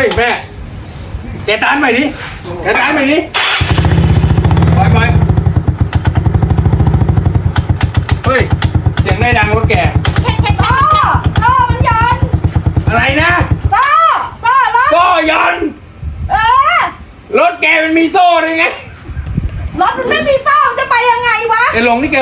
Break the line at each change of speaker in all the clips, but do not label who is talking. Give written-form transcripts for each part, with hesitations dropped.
ฮ้ยแม่แกตานใหม่ดิแกตานใหม่ดิไปเฮ้ยเสียงได้ดังรถแก
แค่โซ่มันยัน
อะไรนะ
โซ่รถ
โซ่ยัน รถแกมันมีโซ่ด้วยไง
รถมันไม่มีโซ่มันจะไปยังไงวะ
แกลงนี่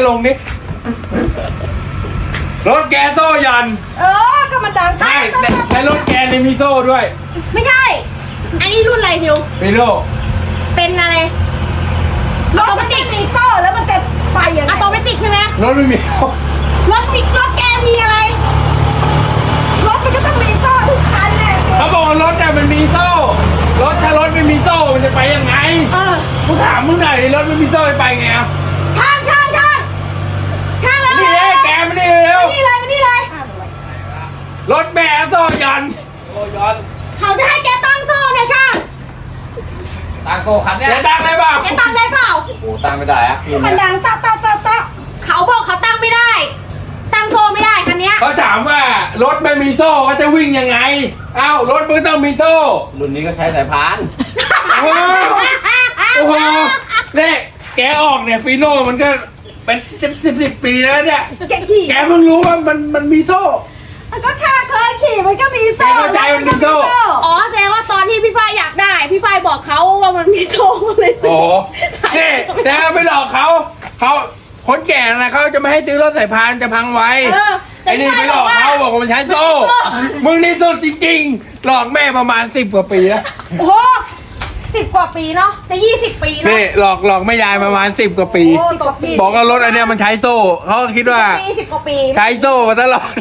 รถแกโซ่ยัน
ก็มันดัง
ใช่แต่รถแกเนี่ยมีโซ่ด้วย
ไม่ใช่อันนี้รุ่นอะไรทิว
ไม่รู้
เป็นอะไรรถมันไม่มีโซ่แล้วมันจะไปยังไงอะโตเมติกใช่ไหม
รถไม่มี
รถแกมีอะไรรถมันก็ต้องมีโซ่ทุกคันแหละ
เขาบอกว่ารถเนี่ยมันมีโซ่ถ้ารถไม่มีโซ่มันจะไปยังไงกูถามมึงหน่อยดิรถไม่มีโซ่จะไปไงอ่ะ
ช่างแล้ว
นี่เลยแกไม่ได้เร็ว
นี่เลย
รถแม่โซ่ยัน
เขาจะให้แกตั้งโซ่เนี่ยช่าง
ตังโกคันเนี่ย
แกตั้งได้เปล่า
แกตั้งได้เปล่า
โอ้ตั้งไม่ได้อะ
มันดังตะเขาบอกเขาตั้งไม่ได้ ตั้งโซ่ไม่ได้คันเนี้ย
เขาถามว่ารถไม่มีโซ่ก็จะวิ่งยังไงอ้าวรถมึงต้องมีโซ่
รุ่นนี้ก็ใช้สายพาน
โอ้โหเนี่ยแกออกเนี่ยฟีโน่มันก็เป็นสิบปีแล้วเนี่ย
แกขี่
แกเพิ่งรู้ว่ามันมีโซ่
ก็ข้าเคยขี่มันก็มีโซ่
แกเข้าใจมันมีโซ่
อ๋อแสดงว่าตอนที่พี่ฝ้ายอยากได้ พี่ฝ้ายบอกเขาว่ามันมีโซ่เลยซื้
โอ้โหนี่แต่ไปหลอกเขาคนแก่นะเขาจะไม่ให้ซื้อรถสายพานจะพังไว้ ไอ้นี่ไปหลอกเขาบอกว่ามันใช้โซ่ มึงนี่สุดจริงๆ หลอกแม่ประมาณ10 กว่าปีแล้ว
โอ้โห10 กว่าปีเนาะจะ20 ปีเนาะ
นี่หลอกแม่ยายประมาณ10 กว่าปี
โอ้ตกปี
บอกว่ารถอันเนี้ยมันใช้โซ่เขาก็คิดว่า
10 กว่าปี
ใช้โซ่มาตลอด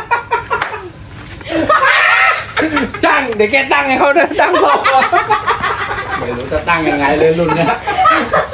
ช่างเดี๋ยวแกตั้งให้เขาด้วยตั้งโซ่
ไม่รู้จะตั้งยังไงเลยรุ่นเนี้ย